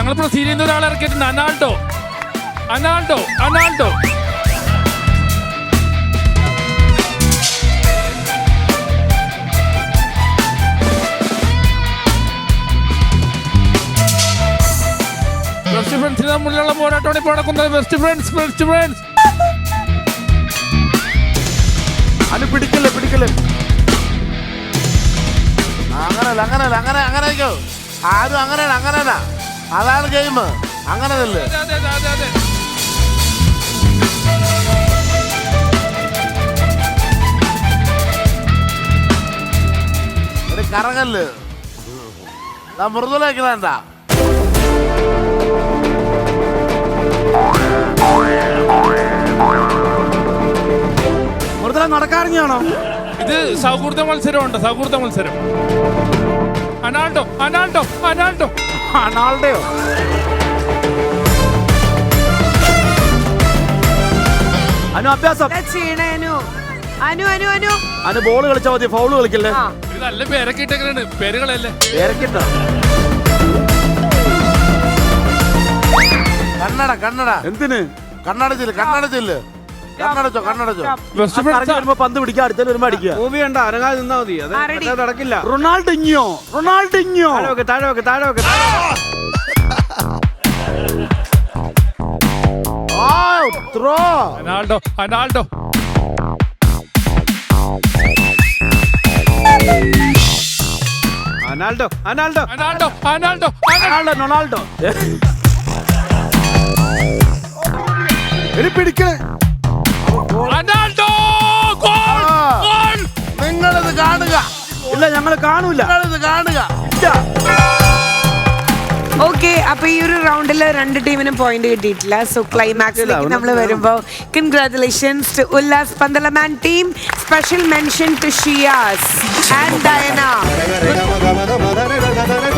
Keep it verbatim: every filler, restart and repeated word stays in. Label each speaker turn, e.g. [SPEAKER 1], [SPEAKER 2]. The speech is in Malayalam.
[SPEAKER 1] ഞങ്ങൾ പ്രൊസീഡ് ചെയ്യുന്ന ഒരാളെ ഇറക്കിയിട്ടുണ്ട്. അനാൾഡോ അനാൾഡോ അനാൾഡോ ബെസ്റ്റ് ഫ്രണ്ട്സിന് തമ്മിലുള്ള പോരാട്ടമാണ് ഇപ്പോൾ നടക്കുന്നത്. ബെസ്റ്റ് ഫ്രണ്ട്സ് ബെസ്റ്റ് ഫ്രണ്ട്സ്
[SPEAKER 2] അത് പിടിക്കല്ലേ പിടിക്കല്ലേ അങ്ങനല്ല അങ്ങനല്ല അങ്ങനെ അങ്ങനെ ആയിക്കോ. ആരും അങ്ങനെയാണ് അങ്ങനെയാണ് അതാണ് ഗെയിം. അങ്ങനെ തന്നെ
[SPEAKER 1] അതെ അതെ അതെ അതെ
[SPEAKER 2] ഒരു കറങ്ങല് മൃദുലേക്കണ്ട.
[SPEAKER 3] മൃദുല നടക്കാറിഞ്ഞാണോ?
[SPEAKER 1] ഇത് സൗഹൃദ മത്സരമുണ്ട്. സൗഹൃദ മത്സരം. അനാൾഡോ അനാൾഡോ അനാൾഡോ
[SPEAKER 3] അനാൾഡയോ? അനു അഭ്യാസം.
[SPEAKER 4] അനു അനു അനു അനു
[SPEAKER 3] അനു ബോൾ കളിച്ചാൽ മതി, ഫൗള് കളിക്കല്ലേ.
[SPEAKER 1] ഇത് നല്ല പേരൊക്കെ ഇട്ടേക്കാണ്. പേരുകളല്ലേ
[SPEAKER 3] പേരക്കിട്ട
[SPEAKER 2] കണ്ണട കണ്ണട
[SPEAKER 3] എന്തിന്?
[SPEAKER 2] കണ്ണടച്ചില്ല കണ്ണടച്ചില്ല കണ്ണടച്ചോ കണ്ണടച്ചോ.
[SPEAKER 1] ബെസ്റ്റ് ഫ്രണ്ട്സ്
[SPEAKER 3] വരുമ്പോ പന്ത് പിടിക്കുക, അടുത്ത വരുമ്പോ അടിക്കുക.
[SPEAKER 5] മൂവി കണ്ട അനങ്ങാതെ നിന്നാ മതി. അത്
[SPEAKER 4] ആരടി?
[SPEAKER 5] മറ്റേത് നടക്കില്ല.
[SPEAKER 3] റൊണാൾഡിഞ്ഞോ റൊണാൾഡിഞ്ഞോ
[SPEAKER 5] താഴെ വെക്ക്, താഴെ വെക്ക്, താഴെ വെക്ക്.
[SPEAKER 2] ത്രോ
[SPEAKER 1] അനാൾഡോ അനാൾഡോ
[SPEAKER 5] അനാൾഡോ അനാൾഡോ
[SPEAKER 1] അനാൾഡോ അനാൾഡോ
[SPEAKER 3] റൊണാൾഡോ റൊണാൾഡോ
[SPEAKER 2] ഇനി പിടിക്കണേ.
[SPEAKER 1] അനാൾഡോ ഗോൾ ഗോൾ.
[SPEAKER 2] നിങ്ങളിത് കാണുക.
[SPEAKER 3] ഇല്ല ഞങ്ങൾ കാണൂല.
[SPEAKER 2] നിങ്ങളിത് കാണുക.
[SPEAKER 4] ഓക്കെ. അപ്പൊ ഈ ഒരു റൗണ്ടില് രണ്ട് ടീമിനും പോയിന്റ് കിട്ടിയിട്ടില്ല. സോ ക്ലൈമാക്സിലേക്ക് നമ്മൾ വരുമ്പോ കൺഗ്രാറ്റുലേഷൻസ് ടു ഉല്ലാസ് പന്തലമാൻ team. Special mention to Shiyas and Diana.